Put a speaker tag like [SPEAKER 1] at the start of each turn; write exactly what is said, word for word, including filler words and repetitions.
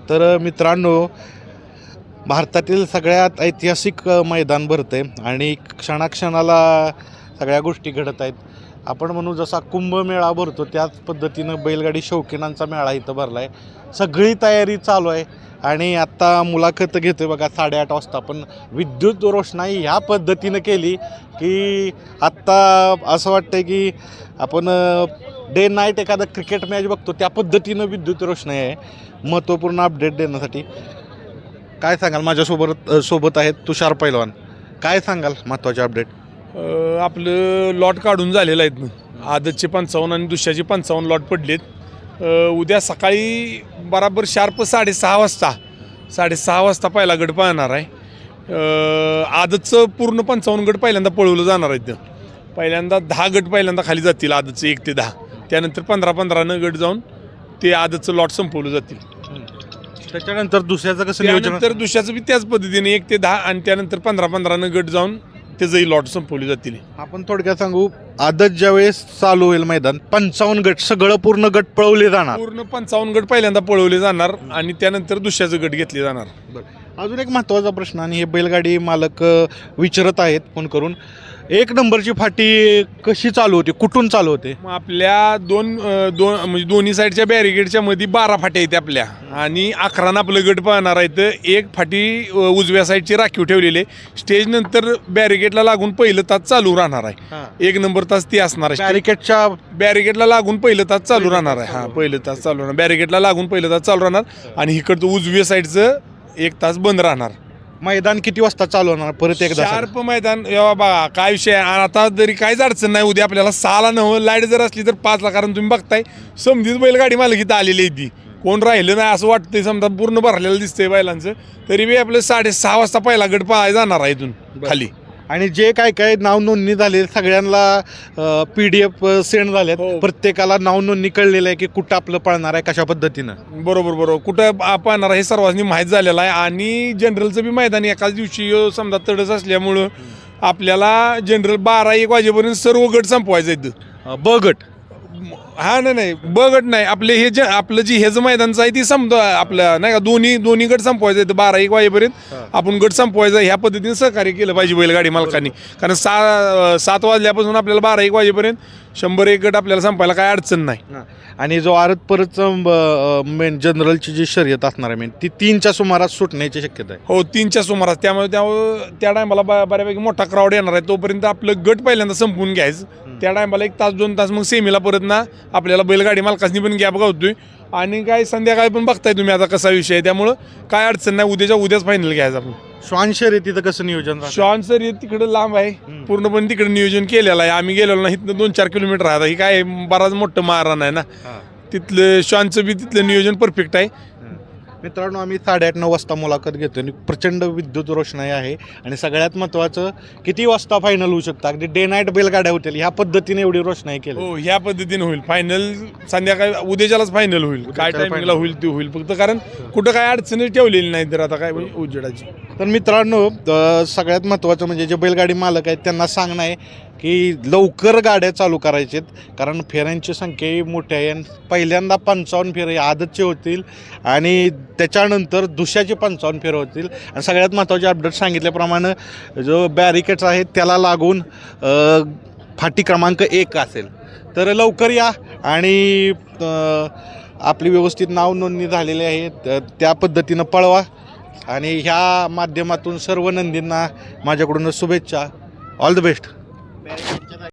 [SPEAKER 1] तर मित्रांनो, भारतातील सगळ्यात ऐतिहासिक मैदान भरतं आहे आणि क्षणाक्षणाला सगळ्या गोष्टी घडत आहेत. आपण म्हणू जसा कुंभमेळा भरतो त्याच पद्धतीनं बैलगाडी शौकीनांचा मेळा इथं भरला आहे. सगळी तयारी चालू आहे आणि आत्ता मुलाखत घेतो बघा साडेआठ वाजता. पण विद्युत रोषणाई ह्या पद्धतीनं केली की आत्ता असं वाटतं की आपण डे नाईट एखादा क्रिकेट मॅच बघतो त्या पद्धतीनं विद्युत रोषणाई आहे. महत्त्वपूर्ण अपडेट देण्यासाठी काय सांगाल? माझ्यासोबत सोबत आहेत तुषार पैलवान. काय सांगाल महत्त्वाचे अपडेट?
[SPEAKER 2] आपलं लॉट काढून झालेलं आहेत. आदतचे पंचावन्न आणि दुसऱ्याचे पंचावन्न लॉट पडलेत. उद्या सकाळी बराबर शार्प साडेसहा वाजता साडेसहा वाजता पहिला गट पाहणार आहे. आदतचं पूर्ण पंचावन्न गट पहिल्यांदा पळवलं जाणार आहेत. पहिल्यांदा दहा गट पहिल्यांदा खाली जातील आदतचं एक ते दहा. त्यानंतर पंधरा पंधरानं गट जाऊन ते आदतचं लॉट संपवलं जातील.
[SPEAKER 1] त्याच्यानंतर दुसऱ्याचं कसं नियोजन?
[SPEAKER 2] त्यानंतर दुसऱ्याचं बी त्याच पद्धतीने एक ते दहा आणि त्यानंतर पंधरा पंधरानं गट जाऊन त्याचंही लॉट संपवली जातील.
[SPEAKER 1] आपण थोडक्यात सांगू, आदत ज्यावेळेस चालू होईल मैदान पंचावन्न गट सगळं पूर्ण गट पळवले जाणार.
[SPEAKER 2] पूर्ण पंचावन्न गट पहिल्यांदा पळवले जाणार आणि त्यानंतर दुसऱ्याचं गट घेतले जाणार.
[SPEAKER 1] अजून एक महत्त्वाचा प्रश्न आणि हे बैलगाडी मालक विचारत आहेत फोन करून, एक नंबरची फाटी कशी चालू होती, कुठून चालू होते?
[SPEAKER 2] मग आपल्या दोन दोन म्हणजे दोन्ही साईडच्या बॅरिगेडच्या मध्ये बारा फाट्या आहेत आपल्या आणि अकरानं आपलं गट पाहणार आहे. तर एक फाटी उजव्या साईडची राखीव ठेवलेली आहे. स्टेज नंतर बॅरिगेडला लागून पहिलं तास चालू राहणार आहे. एक नंबर तास ती असणार आहे.
[SPEAKER 1] बॅरिकेडच्या
[SPEAKER 2] बॅरिगेडला लागून पहिलं तास चालू राहणार आहे. हां, पहिलं तास चालू राहणार. बॅरिगेडला लागून पहिलं तास चालू राहणार आणि इकडचं उजव्या साईडचं एक तास बंद राहणार.
[SPEAKER 1] मैदान किती वाजता चालू होणार परत एकदा?
[SPEAKER 2] शार्प मैदान. बघा काय विषय आहे, आता जरी काहीच अडचण नाही. उद्या आपल्याला सहाला नव लाईट जर असली तर पाचला, कारण तुम्ही बघताय समधीच बैलगाडी मालक इथं आलेली आहे. ती कोण राहिलं नाही असं वाटतंय. समजा पूर्ण भरलेलं दिसतंय बैलांचं. तरी बी आपलं साडेसहा वाजता पहिला गट पाहायला जाणार आहे इथून खाली. आणि
[SPEAKER 1] जे काय काय नाव नोंदणी झाले सगळ्यांना पी डी एफ सेंड झाले.
[SPEAKER 2] हो.
[SPEAKER 1] प्रत्येकाला नाव नोंदणी कळलेलं आहे की कुठं आपलं पळणार आहे, कशा पद्धतीनं.
[SPEAKER 2] बरोबर बरोबर कुठं पाहणार आहे हे सर्वांनी माहीत झालेलं आहे. आणि जनरलचं बी मैदान एकाच दिवशी समजा तडस असल्यामुळं आपल्याला जनरल बारा एक वाजेपर्यंत सर्व गट संपवायचं आहेत.
[SPEAKER 1] ब गट
[SPEAKER 2] हा नाही नाही ब गट नाही, आपले हे जे आपलं जी हे जे मैदानचं आहे ती समजा आपल्या नाही का दोन्ही दोन्ही गट संपवायचं आहे. बारा एक वाजेपर्यंत आपण गट संपवायचा. ह्या पद्धतीने सहकार्य केलं पाहिजे बैलगाडी मालकांनी. कारण सा सात वाजल्यापासून आपल्याला बारा एक वाजेपर्यंत शंभर एक गट आपल्याला संपायला काय अडचण नाही.
[SPEAKER 1] आणि जो आरत परतचं मेन जनरलची जी शर्यत असणार आहे मेन ती तीनच्या सुमारास सुटण्याची शक्यता आहे.
[SPEAKER 2] हो, तीनच्या सुमारास. त्यामुळे त्या त्या टायमाला बऱ्यापैकी मोठा क्राऊड येणार आहे. तोपर्यंत आपलं गट पहिल्यांदा संपवून घ्यायचं. त्या टायमाला एक तास दोन तास मग सेमीला परत ना आपल्याला बैलगाडी मालकांनी पण गॅप गावतोय. आणि काय संध्याकाळी पण बघताय तुम्ही आता कसा विषय आहे. त्यामुळं काय अडचण नाही. उद्याच्या उद्याच फायनल घ्यायचं आपण.
[SPEAKER 1] श्वान शर्यतीचं कसं नियोजन?
[SPEAKER 2] श्वान शर्यत तिकडे लांब आहे. पूर्णपणे तिकडे नियोजन केलेलं आहे. आम्ही गेलेलो ना, इथनं दोन चार किलोमीटर आहे. ही काय बराच मोठं मारण आहे ना, तिथलं श्वानचं बी तिथलं नियोजन परफेक्ट आहे.
[SPEAKER 1] मित्रांनो, आम्ही साडेआठ नऊ वाजता मुलाखत घेतो आणि प्रचंड विद्युत रोषणाई आहे. आणि सगळ्यात महत्त्वाचं किती वाजता फायनल होऊ शकतं? अगदी डे नाईट बैलगाड्या होतील ह्या पद्धतीने एवढी रोषणाई केली.
[SPEAKER 2] हो, ह्या पद्धतीने होईल फायनल. संध्याकाळी उद्याच्यालाच फायनल होईल. काय टायमिंगला होईल ते होईल. फक्त कारण कुठं काय अडचणी ठेवलेली नाही तर आता काय उजेडाची.
[SPEAKER 1] तर मित्रांनो, सगळ्यात महत्त्वाचं म्हणजे जे बैलगाडी मालक आहेत त्यांना सांगणं आहे की लवकर गाड्या चालू करायच्यात. कारण फेऱ्यांची संख्याही मोठी आहे. पहिल्यांदा पंचावन्न फेरे आदतचे होतील आणि त्याच्यानंतर दुसऱ्याचे पंचावन्न फेरे होतील. आणि सगळ्यात महत्त्वाचे अपडेट सांगितल्याप्रमाणे जो बॅरिकेड्स आहेत त्याला लागून फाटी क्रमांक एक असेल. तर लवकर या आणि आपली व्यवस्थित नाव नोंदणी झालेली आहे त्या पद्धतीनं पळवा. आणि ह्या माध्यमातून सर्व नंदींना माझ्याकडून शुभेच्छा. All the best.